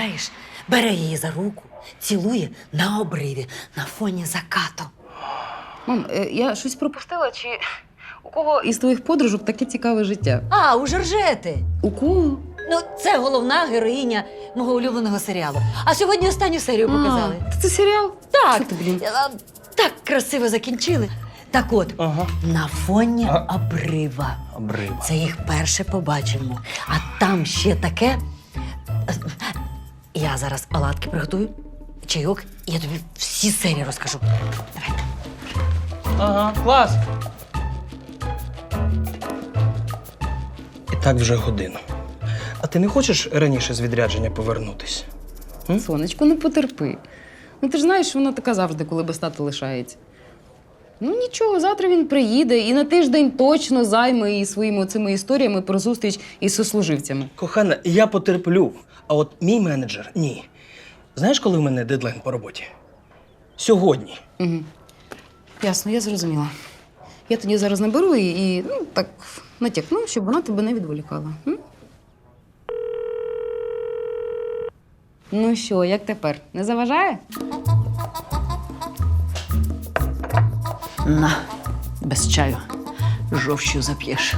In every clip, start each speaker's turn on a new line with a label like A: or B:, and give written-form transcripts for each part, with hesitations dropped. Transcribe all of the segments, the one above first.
A: уявляєш, бере її за руку, цілує на обриві, на фоні закату.
B: Мам, я щось пропустила, чи у кого із твоїх подружок таке цікаве життя?
A: А, у Жоржети.
B: У кого?
A: Ну, це головна героїня мого улюбленого серіалу. А сьогодні останню серію показали.
B: Це серіал?
A: Так.
B: Що ти, блін?
A: Так красиво закінчили. Так от,
C: Ага.
A: на фоні обрива.
C: Обрива.
A: Це їх перше побачимо. А там ще таке. Я зараз оладки приготую, чайок, і я тобі всі серії розкажу. Давай.
C: Ага, клас. І так вже годину. А ти не хочеш раніше з відрядження повернутись?
B: Сонечко, ну потерпи. Ну ти ж знаєш, вона така завжди, коли без тата лишається. Ну нічого, завтра він приїде і на тиждень точно займе її своїми оцими історіями про зустріч із сослуживцями.
C: Кохана, я потерплю, а от мій менеджер – ні. Знаєш, коли в мене дедлайн по роботі? Сьогодні.
B: Угу. Ясно, я зрозуміла. Я тоді зараз наберу і ну, так натякну, щоб вона тебе не відволікала. М? Ну що, як тепер? Не заважає?
A: На, без чаю. Жовчю зап'єш.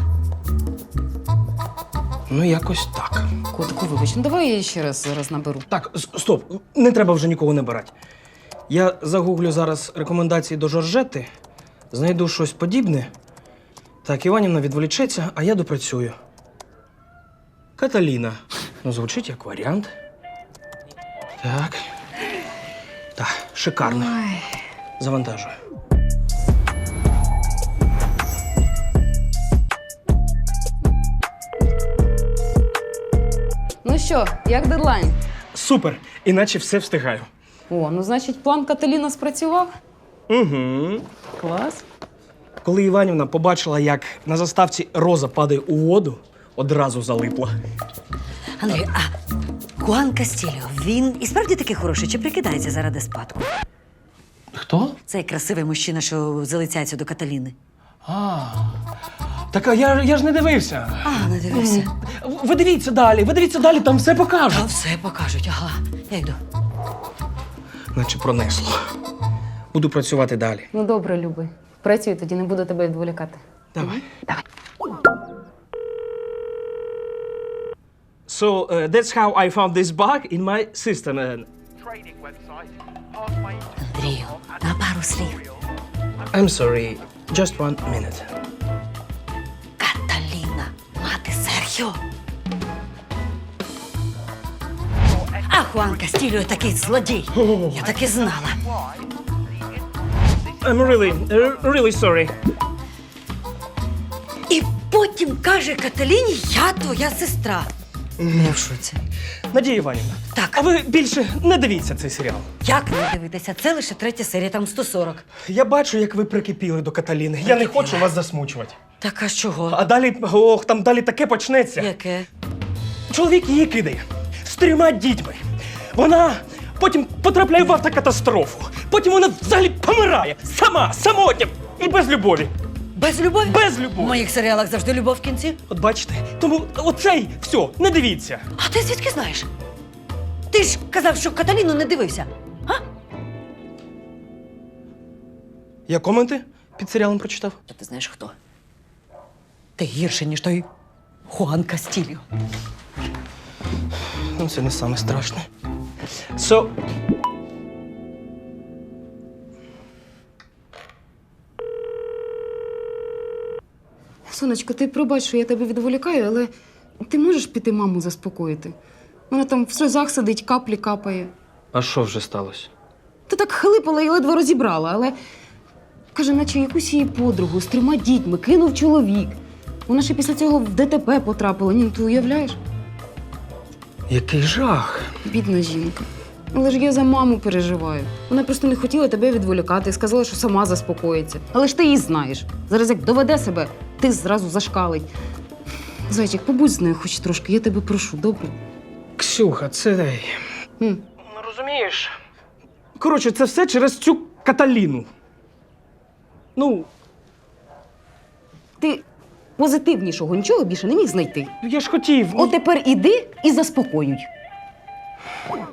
C: Ну, якось так.
B: Котику, вибач, ну давай я ще раз зараз наберу.
C: Так, стоп, не треба вже нікого набирати. Я загуглю зараз рекомендації до Жоржети, знайду щось подібне. Так, Іванівна відволічеться, а я допрацюю. Каталіна. Ну, звучить як варіант. Так. Так, шикарно. Завантажую.
B: Ну що, як дедлайн?
C: Супер! Іначе все встигаю.
B: О, ну значить, план Каталіна спрацював?
C: Угу.
B: Клас.
C: Коли Іванівна побачила, як на заставці Роза падає у воду, одразу залипла.
A: Андрій, а Хуан Кастільо, він і справді такий хороший, чи прикидається заради спадку?
C: Хто?
A: Цей красивий мужчина, що залицяється до Каталіни.
C: Так, а я ж не дивився.
A: А, не дивився.
C: Ви дивіться далі, там все покажуть.
A: Та все покажуть, ага. Я йду.
C: Наче пронесло. Буду працювати далі.
B: Ну добре, Люби. Працюй, тоді не буду тебе відволікати.
C: Давай.
B: Давай.
C: So, that's how I found this bug in my system.
A: Андрію, на пару слів.
C: I'm sorry, just 1 minute.
A: Каталіна, мати Серхіо. А Хуан Кастільо такий злодій. Я так і знала.
C: I'm really sorry.
A: І потім каже Каталіні, я твоя сестра. Я в шоці.
C: Надія Іванівна,
A: Так.
C: а ви більше не дивіться цей серіал.
A: Як не дивитися? Це лише 3 серія, там 140.
C: Я бачу, як ви прикипіли до Каталіни. Я не хочу вас засмучувати.
A: Так а з чого?
C: А далі, там далі таке почнеться.
A: Яке?
C: Чоловік її кидає з 3 дітьми. Вона потім потрапляє в автокатастрофу. Потім вона взагалі помирає. Самотня і без любові.
A: Без любові?
C: Без
A: В
C: любові.
A: моїх серіалах завжди любов в кінці.
C: От бачите, тому оцей, все, не дивіться.
A: А ти звідки знаєш? Ти ж казав, що Каталіну не дивився. А?
C: Я коменти під серіалом прочитав.
A: Та ти знаєш хто? Ти гірше, ніж той Хуан Кастільо.
C: Ну, це не саме страшне. So...
B: Сонечко, ти пробач, що я тебе відволікаю, але ти можеш піти маму заспокоїти? Вона там в сльозах сидить, каплі капає.
C: А що вже сталося?
B: Ти так хлипала і ледве розібрала, але каже, наче якусь її подругу з 3 дітьми кинув чоловік. Вона ще після цього в ДТП потрапила. Ні, ти уявляєш?
C: Який жах.
B: Бідна жінка. Але ж я за маму переживаю. Вона просто не хотіла тебе відволікати, сказала, що сама заспокоїться. Але ж ти її знаєш. Зараз як доведе себе, ти зразу зашкалить. Зайчик, побудь з нею хоч трошки, я тебе прошу, добре?
C: Ксюха, це...
B: М.
C: Ну, розумієш? Коротше, це все через цю Каталіну. Ну,
B: Ти позитивнішого нічого більше не міг знайти.
C: я ж хотів.
B: От тепер іди і заспокоюй.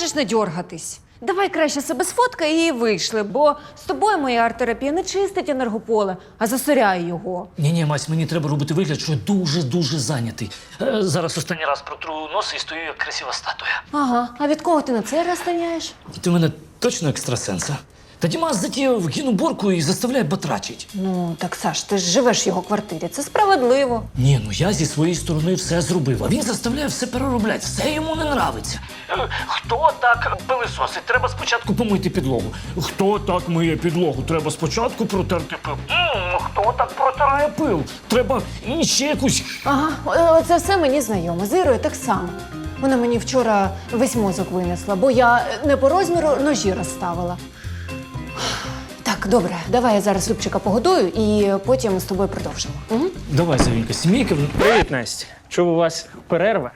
D: можеш не дьоргатись? Давай краще себе сфоткай і вийшли, бо з тобою моя арт-терапія не чистить енергополе, а засоряє його.
E: Ні, Мась, мені треба робити вигляд, що я дуже зайнятий. Зараз останній раз протру носи і стою як красива статуя.
D: Ага, а від кого ти на цей раз станяєш?
E: Ти в мене точно екстрасенс, а? Та Дімас затіяв гінуборку і заставляє батрачить.
D: Ну, так, Саш, ти ж живеш в його квартирі, це справедливо.
E: Ні, ну я зі своєї сторони все зробив, а він заставляє все переробляти, все йому не нравиться. Хто так пилисосить? Треба спочатку помити підлогу. Хто так миє підлогу? Треба спочатку протерти пил. Хто так протирає пил? Треба ще якусь...
D: Ага, це все мені знайомо. З Ірою так само. Вона мені вчора весь мозок винесла, бо я не по розміру ножі розставила. Так, добре, давай я зараз Любчика погодую і потім з тобою продовжимо. Угу.
E: Давай, Завінька, сімейка.
F: Привіт, Настя. Чув, у вас перерва?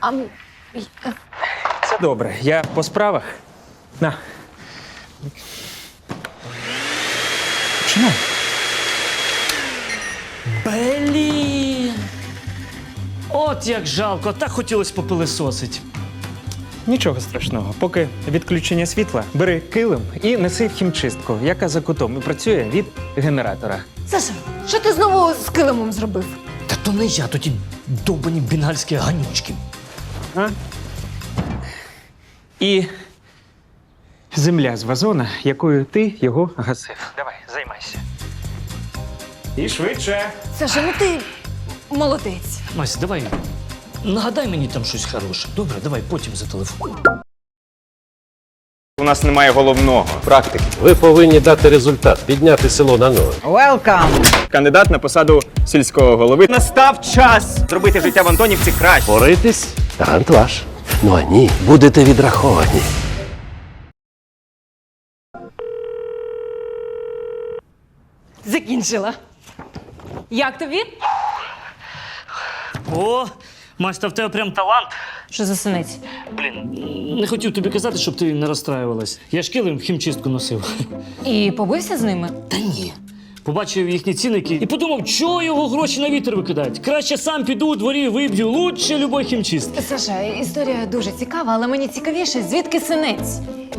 F: Це добре. Я по справах. На. Починай.
E: Блін! От як жалко, так хотілося попилисосить.
F: Нічого страшного. Поки відключення світла, бери килим і неси в хімчистку, яка за кутом і працює від генератора.
D: Саша, що ти знову з килимом зробив?
E: Та то не я, то ті довбані бенгальські ганючки.
F: А? І земля з вазона, якою ти його гасив. Давай, займайся. І швидше.
D: Саша, ну ти молодець.
E: Мась, давай, нагадай мені там щось хороше. Добре, давай потім за телефон.
G: У нас немає головного – практики.
H: Ви повинні дати результат, підняти село на ноги.
G: Кандидат на посаду сільського голови. Настав час зробити життя в Антонівці краще.
H: Боритись – талант ваш. Ну а ні, будете відраховані.
D: Закінчила. Як тобі?
E: О, Мась, та в тебе прям талант.
D: Що за синець?
E: Блін, не хотів тобі казати, щоб ти не розстраювалась. Я ж килим в хімчистку носив.
D: І побився з ними?
E: Та ні. Побачив їхні цінники і подумав, чого його гроші на вітер викидають. Краще сам піду у дворі виб'ю, лучше любой хімчистки.
D: Саша, історія дуже цікава, але мені цікавіше, звідки синець?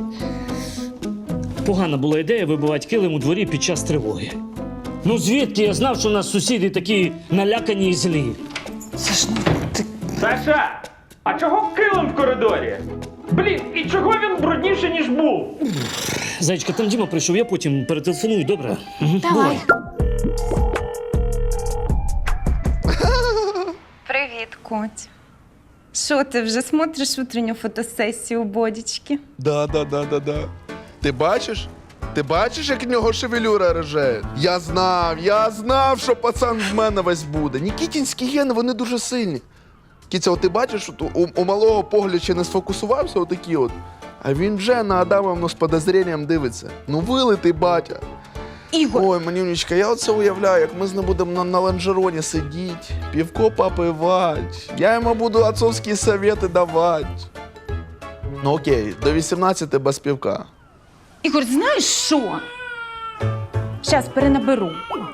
E: Погана була ідея вибивати килим у дворі під час тривоги. Ну звідки я знав, що у нас сусіди такі налякані і злі?
D: Саш, ну ти...
F: Саша, а чого килим в коридорі? Блін, і чого він брудніше, ніж був?
E: Зайчка, там Діма прийшов, я потім перетелефоную, добре? Угу.
D: Давай.
I: Привіт, Коть. Що, ти вже смотриш утренню фотосесію у Бодічки?
J: Да. Ти бачиш? Ти бачиш, як в нього шевелюра рожає? Я знав, що пацан в мене весь буде. Нікітінські гени, вони дуже сильні. Кіця, от ти бачиш, от у малого погляд ще не сфокусувався отакі от, а він вже на Адамовну з подозрінням дивиться. Ну вилитий батя.
I: Ігор!
J: Ой, манюнечка, я оце уявляю, як ми з ним будемо на лонжероні сидіти, півко попивати. Я йому буду отцовські совети давати. Ну окей, до 18 без півка.
I: Ігор, знаєш що? Щас перенаберу.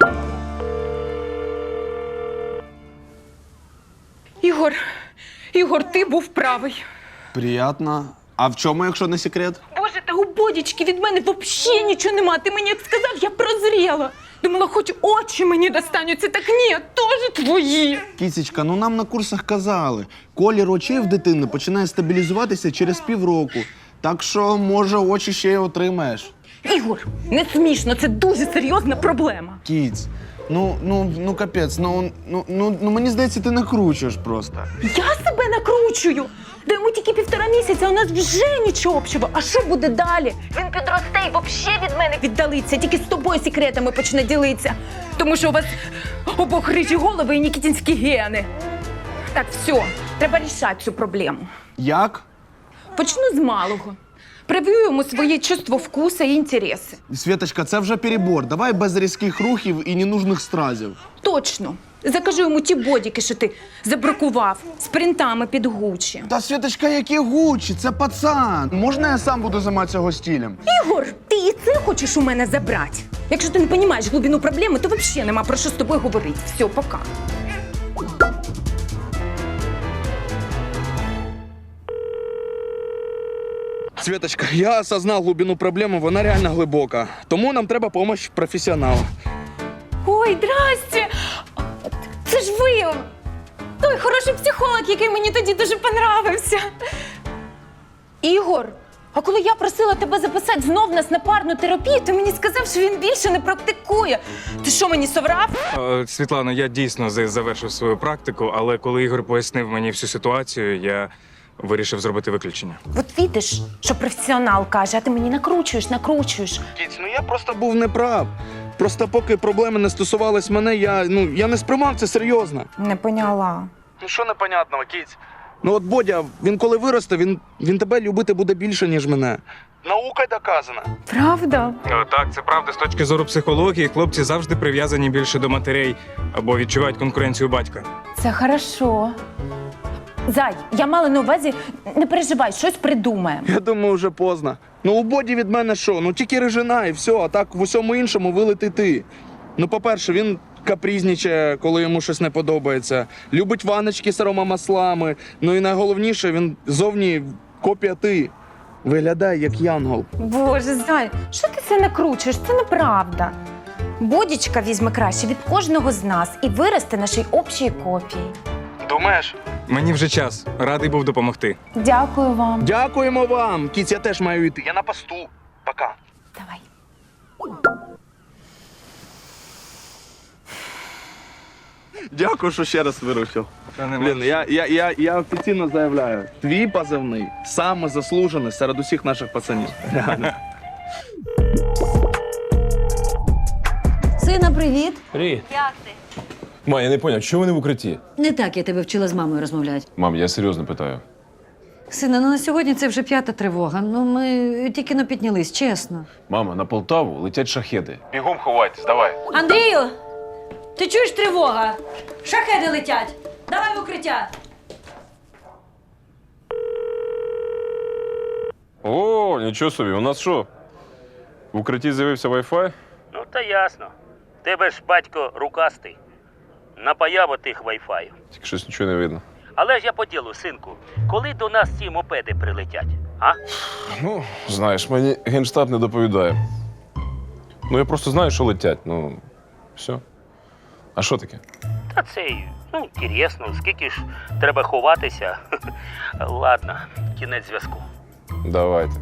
I: Ігор, ти був правий.
J: Приятно. А в чому, якщо не секрет?
I: Боже, та у Бодічки від мене взагалі нічого нема. Ти мені як сказав, я прозріла. Думала, хоч очі мені достануться, так ні, теж твої.
J: Кісечка, ну нам на курсах казали, колір очей в дитини починає стабілізуватися через півроку. Так що, може, очі ще й отримаєш.
I: Ігор, не смішно, це дуже серйозна проблема.
J: Кіць, ну капець, мені здається, ти накручуєш просто.
I: Я себе накручую. Да йому тільки 1,5 місяця, у нас вже нічого общого. А що буде далі? Він підросте і взагалі від мене віддалиться, тільки з тобою секретами почне ділитися. Тому що у вас обох рижі голови і нікітінські гени. Так, все, треба рішати цю проблему.
J: Як?
I: Почну з малого. Прив'ю йому своє чувство вкуса і інтереси.
J: Світочка, це вже перебор. Давай без різких рухів і ненужних стразів.
I: Точно. Закажу йому ті бодіки, що ти забракував, з принтами під Гуччі.
J: Та, Світочка, які Гуччі, це пацан. Можна я сам буду займатися його стилем?
I: Ігор, ти і це хочеш у мене забрати? Якщо ти не розумієш глибину проблеми, то взагалі нема про що з тобою говорити. Все, пока.
J: Світочка, я осознав глибину проблеми, вона реально глибока. Тому нам треба допомога професіонала.
I: Ой, здрасте! Це ж ви! Той хороший психолог, який мені тоді дуже понравився. Ігор, а коли я просила тебе записати знов нас на парну терапію, ти мені сказав, що він більше не практикує. Ти що, мені соврав?
F: Світлано, я дійсно завершив свою практику, але коли Ігор пояснив мені всю ситуацію, я вирішив зробити виключення.
I: От видиш, що професіонал каже, а ти мені накручуєш.
J: Кіць, ну я просто був неправ. Просто поки проблеми не стосувались мене, я не сприймав це серйозно.
I: Не поняла.
J: Ну що непонятного, Кіць? Ну от Бодя, він коли виросте, він тебе любити буде більше, ніж мене. Наукою доказано.
I: Правда?
F: Так, це правда. З точки зору психології, хлопці завжди прив'язані більше до матерей або відчувають конкуренцію батька.
I: Це хорошо. Зай, я мала на увазі, не переживай, щось придумаємо.
J: Я думаю, вже поздно. Ну у Боді від мене що? Ну тільки рижина і все, а так в усьому іншому вилети ти. Ну, по-перше, він капризнічає, коли йому щось не подобається. Любить ваночки з аромамаслами. Ну і найголовніше, він зовні копія ти. Виглядає як янгол.
I: Боже, Зай, що ти це накручуєш? Це неправда. Бодічка візьме краще від кожного з нас і виросте нашій общій копії.
J: Думаєш?
F: Мені вже час. Радий був допомогти.
I: Дякую вам.
J: Дякуємо вам. Кіць, я теж маю йти. Я на посту. Пока.
I: Давай.
J: Дякую, що ще раз вирушив. Блін, я офіційно заявляю, твій позивний саме заслужений серед усіх наших пацанів. Реально.
A: Сина, привіт.
K: Привіт.
A: Як ти?
K: Ма, я не поняв, чого вони в укритті?
A: Не так я тебе вчила з мамою розмовляти.
K: Мам, я серйозно питаю.
A: Сина, ну на сьогодні це вже 5-та тривога. Ну ми тільки не піднялись, чесно.
K: Мама, на Полтаву летять шахеди. Бігом ховайтесь, давай.
A: Андрію! Ти чуєш тривога? Шахеди летять! Давай в укриття!
K: О, нічого собі, у нас що? В укритті з'явився Wi-Fi?
L: Ну, та ясно. Тебе ж батько рукастий. Напаяв отих вайфаю.
K: Тільки щось нічого не видно.
L: Але ж я по ділу, синку, коли до нас ці мопеди прилетять, а?
K: Ну, знаєш, мені Генштаб не доповідає. Ну, я просто знаю, що летять, ну, все. А що таке?
L: Та це, ну, інтересно, скільки ж треба ховатися. Ладно, кінець зв'язку.
K: Давайте.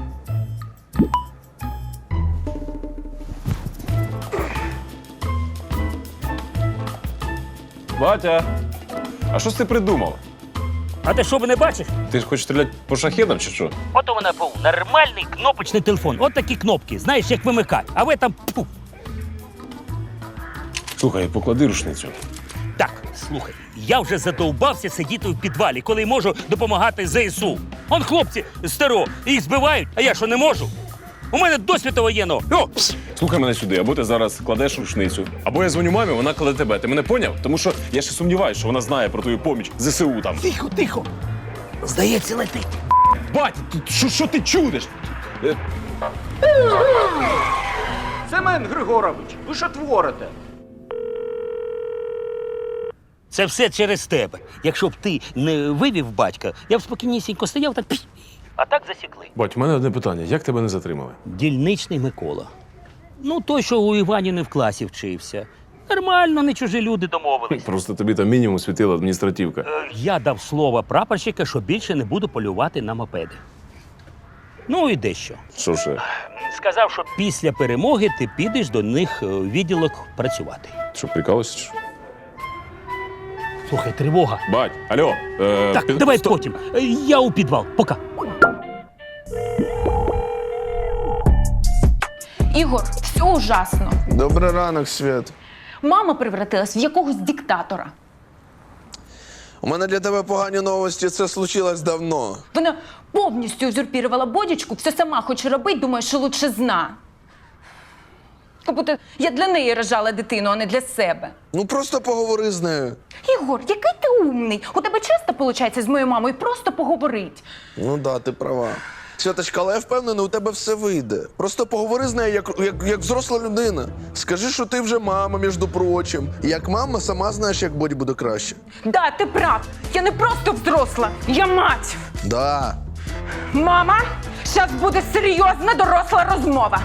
K: Батя, а що ти придумав?
L: А ти що, не бачиш?
K: Ти ж хочеш стріляти по шахедам чи що?
L: От у мене був нормальний кнопочний телефон. От такі кнопки, знаєш, як вимикати. А ви там, пфу.
K: Слухай, поклади рушницю.
L: Так, слухай, я вже задовбався сидіти в підвалі, коли можу допомагати ЗСУ. Он хлопці з ТРО, їх збивають, а я що, не можу? У мене досвіду воєнного. О!
K: Слухай мене сюди, або ти зараз кладеш рушницю, або я дзвоню мамі, вона кладе тебе. Ти мене поняв? Тому що я ще сумніваюся, що вона знає про твою поміч ЗСУ там.
L: Тихо, тихо. Здається, летить.
K: Батя, що ти чудиш?
G: Семен Григорович, ви що творите?
L: Це все через тебе. Якщо б ти не вивів батька, я б спокійнісінько стояв так. А так засікли.
K: Бать, у мене одне питання. Як тебе не затримали?
L: Дільничний Микола. Ну, той, що у Іваніни в класі вчився. Нормально, не чужі люди домовились.
K: Просто тобі там мінімум світила адміністративка.
L: Я дав слово прапорщика, що більше не буду полювати на мопеди. Ну і дещо.
K: Що ще?
L: Сказав, що після перемоги ти підеш до них в відділок працювати.
K: Що, прикалуєшся? Що?
L: Слухай, тривога.
K: Бать, алло.
L: Так, давай потім. Я у підвал. Пока.
I: Ігор, все ужасно.
J: Добрий ранок, Світ.
I: Мама превратилась в якогось диктатора.
J: У мене для тебе погані новості, це случилось давно.
I: Вона повністю узурпірувала Бодічку, все сама хоче робити, думає, що лучше зна. Як будто я для неї рожала дитину, а не для себе.
J: Ну просто поговори з нею.
I: Ігор, який ти умний. У тебе часто виходить з моєю мамою просто поговорити.
J: Ну да, ти права. Святочка, але я впевнений, у тебе все вийде. Просто поговори з нею як взросла людина. Скажи, що ти вже мама, між прочим. І як мама, сама знаєш, як Боді буде краще.
I: Да, ти прав. Я не просто взросла, я мать.
J: Да.
I: Мама, Зараз буде серйозна доросла розмова.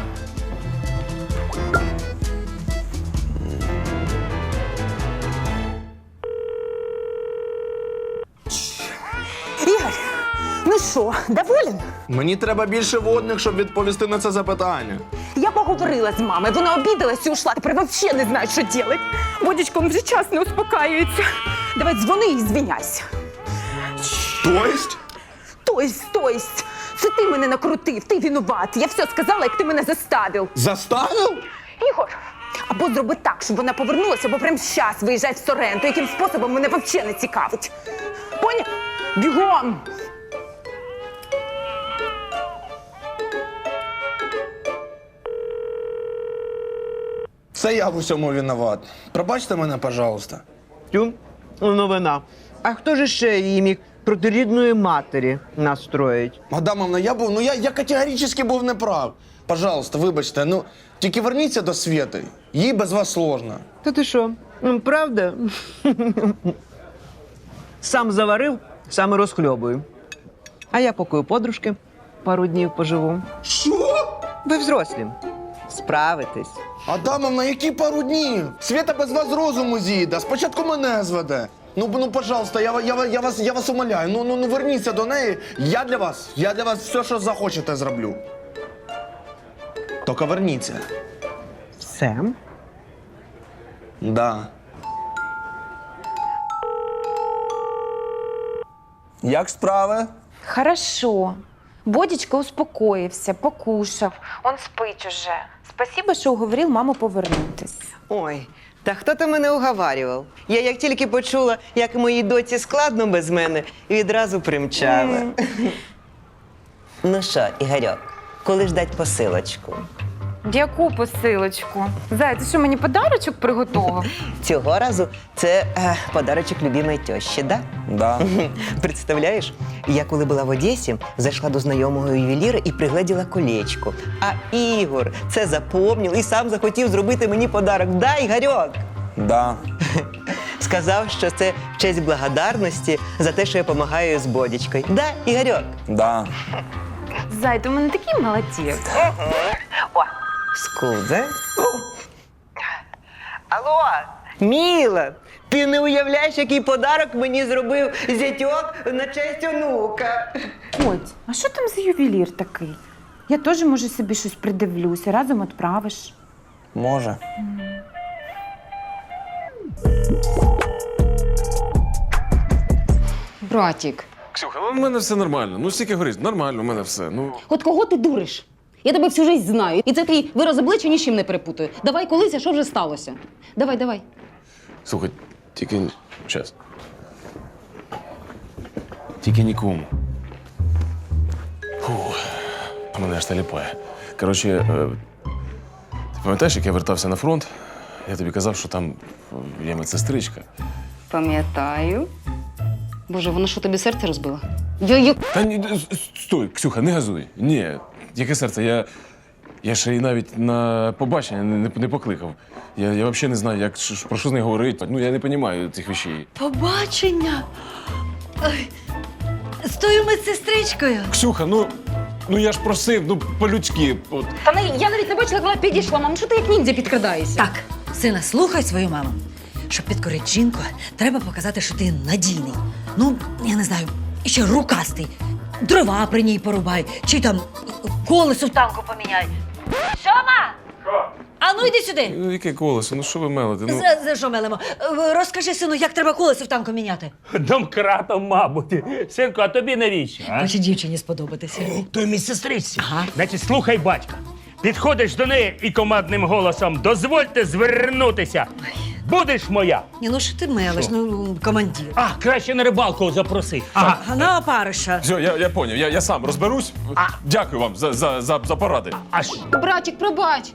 I: Ігор, ну що, доволен?
J: Мені треба більше водних, щоб відповісти на це запитання.
I: Я поговорила з мамою, вона обідалась і ушла. Тепер взагалі не знаю, що робити. Водічка, він вже час не успокаюється. Давай дзвони і звіняйся. Тобто, це ти мене накрутив, ти винуват. Я все сказала, як ти мене заставив.
J: Заставив?
I: Ігор, або зроби так, щоб вона повернулася, або прямо зараз виїжджай в Соренто. Яким способом мене взагалі не цікавить. Поняв? Бігом!
J: Це я в усьому винуват. Пробачте мене, пожалуйста.
M: Тю, новина. А хто ж ще її міг проти рідної матері настроїть?
J: Адамовна, я категорично був неправ. Пожалуйста, вибачте, тільки верніться до Свєти. Їй без вас сложно.
M: Та ти що? Правда? Сам заварив, сам і розхльобую. А я поки у подружки пару днів поживу.
J: Що?
M: Ви взрослі. Справитесь.
J: Адамовна, які пару днів? Свєта без вас з розуму з'їде, спочатку мене зведе. Пожалуйста, я вас умоляю, верніться до неї. Я для вас все, що захочете, зроблю. Тільки верніться.
M: Все?
J: Да. Як справи?
I: Хорошо. Бодічка успокоївся, покушав. Он спить уже. Спасибо, що уговорив маму повернутись.
M: Ой, та хто то мене уговарював? Я як тільки почула, як моїй доці складно без мене, відразу примчала. Ну що, Ігорьок, коли ждать посилочку?
I: Яку посилочку? Зай, ти що, мені подарочок приготував?
M: Цього разу це подарочок любимої тещі, да?
J: Да.
M: Представляєш, я коли була в Одесі, зайшла до знайомого ювеліра і пригледіла колечко. А Ігор це запомнив і сам захотів зробити мені подарок. Да, Ігорьок?
J: Да.
M: Сказав, що це в честь благодарності за те, що я допомагаю з Бодічкою. Да, Ігорьок?
J: Да.
I: Зай, ти в мене такий молодець.
M: Скузе? Алло, Міла, ти не уявляєш, який подарок мені зробив зятьок на честь онука.
I: Коть, а що там за ювелір такий? Я теж, може, собі щось придивлюся, разом відправиш.
J: Може.
B: Братік,
K: Ксюха, у мене все нормально. Ну, стільки горить, нормально, у мене все. Ну,
B: от кого ти дуриш? Я тебе всю життя знаю. І це твій вираз обличчя ні з чим не перепутаю. Давай колись, а що вже сталося? Давай.
K: слухай, тільки час. Тільки нікому. Фух, мене аж таліпає. Коротше, ти пам'ятаєш, як я вертався на фронт? Я тобі казав, що там є медсестричка.
B: Пам'ятаю. Боже, вона що, тобі серце розбила?
K: Та ні, стой, Ксюха, не газуй. Ні, яке серце, я ще й навіть на побачення не покликав. Я взагалі не знаю, про що з нею говорити. Ну, я не розумію цих речей.
A: Побачення. Ой, з тою медсестричкою.
K: Ксюха, ну я ж просив, по-людськи. От.
B: Та я навіть не бачила, як вона підійшла. Мам, що ти як ніндзя підкрадаєшся?
A: Так, сина, слухай свою маму. Щоб підкорити жінку, треба показати, що ти надійний. Ну, я не знаю, ще рукастий. Дрова при ній порубай, чи там колесо в танку поміняй. Сьома! Що? А ну йди сюди.
K: Ну, яке колесо? Ну що ви мелите? Ну,
A: За що мелимо? Розкажи, сину, як треба колесо в танку міняти.
L: Домкратом, мабуть. Синку, а тобі навіщо? А?
A: Хоче дівчині сподобатися.
L: То й мій сестриці.
A: Ага.
L: Значить, слухай батька. Підходиш до неї і командним голосом «Дозвольте звернутися». Будеш моя.
A: Ні, ну що ти мелиш, ну, командир.
L: А, краще на рибалку запроси. Ага.
A: А на опариша.
K: все, я поняв, я сам розберусь. Дякую вам за поради.
L: Аж.
B: Братік, пробач.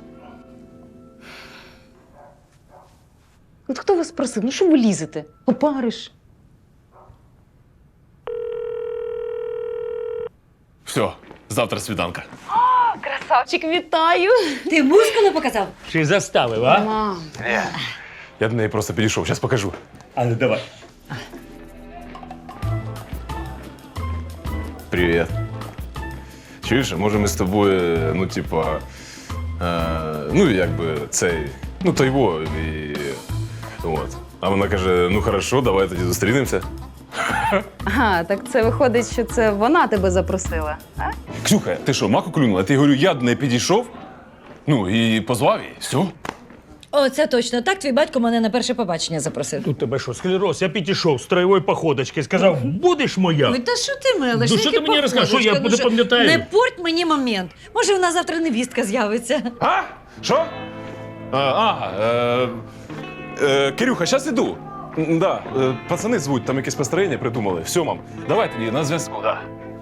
B: От хто вас просив? Ну що ви лізете? Опариш.
K: Все, завтра свіданка.
I: Красавчик, вітаю!
A: Ти мускули показав?
L: Чи заставив, а?
B: Мам.
K: Я до неї просто підійшов, зараз покажу.
L: А ну давай.
K: Привіт. чуєш, може ми з тобою, ну, типа, ну, якби цей, ну, той во, і от. А вона каже, ну, хорошо, давай тоді зустрінемося.
B: Ага, так це виходить, що це вона тебе запросила. А?
K: Ксюха, ти що, маку клюнула? Я говорю, я до неї підійшов, ну, і позвав її, все.
A: О, це точно. Так твій батько мене на перше побачення запросив.
L: Тут тебе що, склероз? Я підійшов з троєвої походочки, сказав, будеш моя.
A: Ой, та що ти мелиш?
L: Ну, що ти мені розкажеш? Що я не пам'ятаю?
A: Не порть мені момент. Може, в нас завтра невістка з'явиться.
K: А? Що? Кирюха, зараз іду. Да, пацани звуть, там якесь построєння придумали. Все, мам, давай тоді на зв'язку. Да.